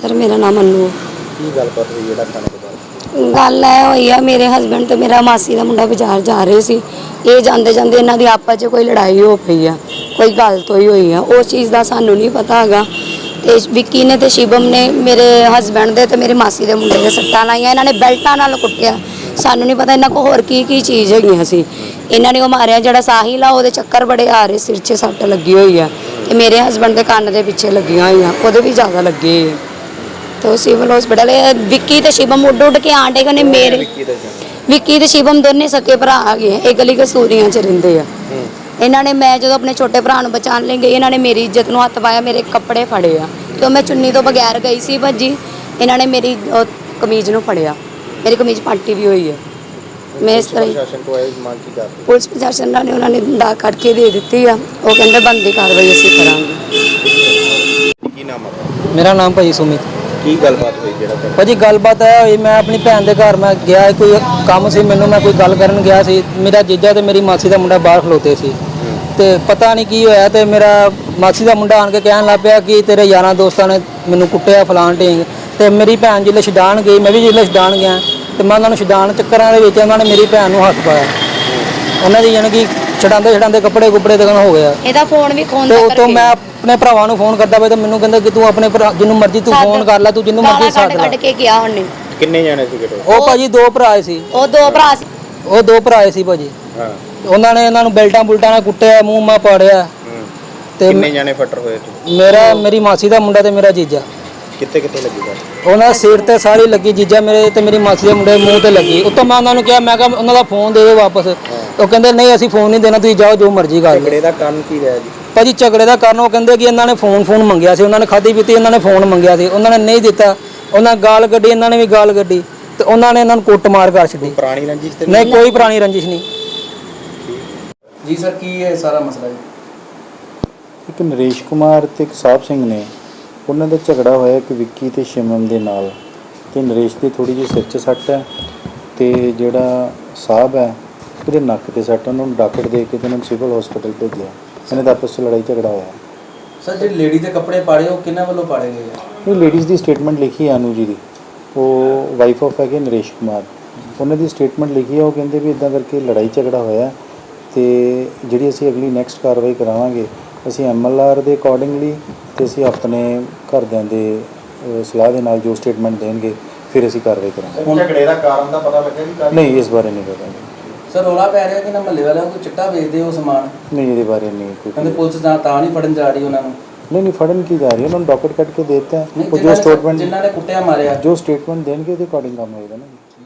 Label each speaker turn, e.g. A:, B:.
A: Sir मेरा नाम अनु
B: की गलबात हुई है थाने के बाद?
A: गल हुई है मेरे हसबैंड तो मेरा मासी का मुंडा बाजार जा रहे सी ये जाते जाते इन्हों की आपस च कोई लड़ाई हो पई है कोई गल तो ही हुई है उस चीज़ का सानू नहीं पता है। तो विक्की ने तो शिवम ने मेरे हसबैंड दे तो मेरी मासी के मुंडे के सट्टां लाइया इन्होंने बेल्टां नाल कुटिया सानू नहीं पता इन्हों को होर की चीज़ हैगी सी इन्होंने वो मारिया जो साहिल आ वो चक्कर बड़े आ रहे सिर 'च सट्ट लगी हुई है तो मेरे हसबैंड के कान के पिछे लगी हुई हैं वो भी ज़्यादा लगे तो सिविल हॉस्पिटल विक्की तो शिवम उड उड के आंटे कने मेरे विक्की तो शिवम दोने सके भरा गए एक गली कसूरियां च रहिंदे आ इन्होंने मैं जो अपने छोटे भरा बचाने ले गई इन्होंने मेरी इज्जत में हथ पाया मेरे कपड़े फड़े आ तो मैं चुन्नी तो बगैर गई सी भजी इन्होंने मेरी कमीज में फड़िया मेरी कमीज पाटी भी हुई है मैं इस तरह पुलिस प्रशासन ने उन्होंने दा कट के दे दी है वो कहते बनती कार्रवाई असीं करांगे।
C: मेरा नाम भाई सुमित
B: की गलबात हुई जेड़ा
C: भाजी गलबात है मैं अपनी भैन के घर मैं गया कोई काम से मैनू मैं कोई गल करन गया सी मेरा जीजा ते मेरी मासी का मुंडा बाहर खलोते सी ते पता नहीं की होया ते मेरा मासी का मुंडा आन के कहन लग पिया कि तेरे यारां दोस्तां ने मैनू कुट्टिया फलान ढींग ते मेरी भैन जिसले छडान गई मैं भी जिसले छडान गया तो मैं उन्होंने छडान चक्करां दे विच उन्होंने मेरी भैन नूं हथ पाया उन्होंने दी यानी कि छडांदे छडांदे कपड़े कुपड़े तक हो गया
A: ਇਹਦਾ ਫੋਨ ਵੀ ਖੋਨ
C: तो तो मैं अपने भरावां नूं फोन करदा पिया ते मैनूं कहंदा कि तू अपने भरा जिन्नू मर्जी तू फोन कर लै तू जिन्नू मर्जी साथ ला
A: ਕੱਢ ਕੇ ਗਿਆ ਉਹਨੇ
B: किन्ने जाने सी कितो?
C: ਉਹ ਭਾਜੀ ਦੋ ਭਰਾ ਸੀ
A: ਉਹ ਦੋ ਭਰਾ ਸੀ
C: ਉਹ ਦੋ ਭਰਾ ਸੀ ਭਾਜੀ
B: हां
C: ਉਹਨਾਂ ਨੇ ਇਹਨਾਂ ਨੂੰ ਬੈਲਟਾਂ ਬੁਲਟਾਂ ਨਾਲ ਕੁੱਟਿਆ ਮੂੰਹ ਮਾ ਪਾੜਿਆ ਤੇ
B: किन्ने जाने फटर होए थे?
C: ਮੇਰੀ ਮਾਸੀ ਦਾ ਮੁੰਡਾ ਤੇ ਮੇਰਾ ਜੀਜਾ
B: कित्ते कित्ते लगी बात?
C: ਉਹਨਾਂ ਸਿਰ ਤੇ ਸਾਰੀ ਲੱਗੀ ਜੀਜਾ ਮੇਰੇ ਤੇ ਮੇਰੀ ਮਾਸੀ ਦੇ ਮੁੰਡੇ ਦੇ ਮੂੰਹ ਤੇ ਲੱਗੀ ਉੱਤੋਂ ਮੈਂ ਉਹਨਾਂ ਨੂੰ ਕਿਹਾ ਮੈਂ ਕਿਹਾ ਉਹਨਾਂ ਦਾ ਫੋਨ ਦੇ ਦਿਓ ਵਾਪਸ ਉਹ ਕਹਿੰਦੇ ਨਹੀਂ ਅਸੀਂ ਫੋਨ ਨਹੀਂ ਦੇਣਾ ਤੁਸੀਂ ਜਾਓ ਜੋ ਮਰਜ਼ੀ ਕਰ ਲਓ
B: झगड़े दा कारण की रहा जी?
C: ਭਾਜੀ ਝਗੜੇ ਦਾ ਕਾਰਨ ਉਹ ਕਹਿੰਦੇ ਕਿ ਇਹਨਾਂ ਨੇ ਫੋਨ ਮੰਗਿਆ ਸੀ ਉਹਨਾਂ ਨੇ ਖਾਧੀ ਪੀਤੀ ਇਹਨਾਂ ਨੇ ਫੋਨ ਮੰਗਿਆ ਸੀ ਉਹਨਾਂ ਨੇ ਨਹੀਂ ਦਿੱਤਾ ਉਹਨਾਂ ਗਾਲ ਕੱਢੀ ਇਹਨਾਂ ਨੇ ਵੀ ਗਾਲ ਕੱਢੀ ਤੇ ਉਹਨਾਂ ਨੇ ਇਹਨਾਂ ਨੂੰ ਕੁੱਟਮਾਰ ਕਰ ਛੱਡੀ
B: पुरानी रंजिश ते
C: ਨਹੀਂ ਕੋਈ ਪੁਰਾਣੀ ਰੰਜਿਸ਼ ਨਹੀਂ
D: ਜੀ ਸਰ ਕੀ ਹੈ ਸਾਰਾ ਮਸਲਾ ਜੀ?
E: ਇੱਕ ਨਰੇਸ਼ ਕੁਮਾਰ ਤੇ ਇੱਕ ਸਾਹਿਬ ਸਿੰਘ ਨੇ ਉਹਨਾਂ ਦਾ ਝਗੜਾ ਹੋਇਆ ਕਿ ਵਿੱਕੀ ਤੇ ਸ਼ਿਮਮ ਦੇ ਨਾਲ ਤੇ ਨਰੇਸ਼ ਦੀ ਥੋੜੀ ਜਿਹੀ ਸਿਰ 'ਚ ਸੱਟ ਹੈ ਤੇ ਜਿਹੜਾ ਸਾਹਿਬ ਹੈ ਉਹਦੇ ਨੱਕ ਤੇ ਸੱਟ ਉਹਨਾਂ ਨੂੰ ਡਾਕਟਰ ਦੇ ਕੇ ਤੇ ਉਹਨਾਂ ਨੂੰ ਸਿਵਲ ਹਸਪੀਟਲ ਭੇਜਿਆ ਇਹਨਾਂ ਦਾ ਆਪਸ 'ਚ ਲੜਾਈ ਝਗੜਾ ਹੋਇਆ।
D: ਸਰ ਜਿਹੜੀ ਲੇਡੀ ਦੇ ਕੱਪੜੇ ਪਾੜੇ ਉਹ ਕਿਹਨਾਂ ਵੱਲੋਂ ਪਾੜੇ ਗਏ ਆ?
E: ਇਹ ਲੇਡੀਜ਼ ਦੀ ਸਟੇਟਮੈਂਟ ਲਿਖੀ ਹੈ ਅਨੂ ਜੀ ਦੀ ਉਹ ਵਾਈਫ ਆਫ ਹੈਗੇ ਨਰੇਸ਼ ਕੁਮਾਰ ਉਹਨਾਂ ਦੀ ਸਟੇਟਮੈਂਟ ਲਿਖੀ ਹੈ ਉਹ ਕਹਿੰਦੇ ਵੀ ਇਦਾਂ ਕਰਕੇ ਲੜਾਈ ਝਗੜਾ ਹੋਇਆ ਤੇ ਜਿਹੜੀ ਅਸੀਂ ਅਗਲੀ ਨੈਕਸਟ ਕਾਰਵਾਈ ਕਰਾਵਾਂਗੇ ਅਸੀਂ MLR ਦੇ ਅਕੋਰਡਿੰਗਲੀ ਤੇ ਅਸੀਂ ਆਪਣੇ ਘਰਦਿਆਂ ਦੇ ਸਲਾਹ ਦੇ ਨਾਲ ਜੋ ਸਟੇਟਮੈਂਟ ਦੇਣਗੇ ਫਿਰ ਅਸੀਂ ਕਾਰਵਾਈ ਕਰਾਂਗੇ।
B: झगड़े दा कारण दा पता लगा
E: ਨਹੀਂ ਇਸ ਬਾਰੇ ਨਹੀਂ ਪਤਾ
D: ਸਰ ਰੌਲਾ ਪੈ ਰਿਹਾ ਕਿ ਨਾ ਮਹੱਲੇ ਵਾਲਿਆਂ ਕੋਈ ਚਿੱਟਾ ਵੇਚਦੇ ਉਹ ਸਮਾਨ
E: ਨਹੀਂ ਇਹਦੇ ਬਾਰੇ ਨਹੀਂ
D: ਕਹਿੰਦੇ
E: ਕੋਈ
D: ਪੁਲਿਸ ਤਾਂ ਨਹੀਂ ਫੜਨ ਜਾ ਰਹੀ ਉਹਨਾਂ ਨੂੰ
E: ਨਹੀਂ ਫੜਨ ਕੀ ਜਾ ਰਹੀ ਉਹਨਾਂ ਨੂੰ ਡਾਕਟਰ ਕੱਟ ਕੇ ਦੇ ਦਿੱਤਾ
D: ਨਹੀਂ,
E: ਉਹ ਜੋ ਸਟੇਟਮੈਂਟ
D: ਜਿਨ੍ਹਾਂ ਨੇ ਕੁੱਟਿਆ ਮਾਰਿਆ
E: ਜੋ ਸਟੇਟਮੈਂਟ ਦੇਣਗੇ ਉਹਦੇ ਅਕੋਰਡਿੰਗ ਕੰਮ ਹੋਏਗਾ ਨਾ।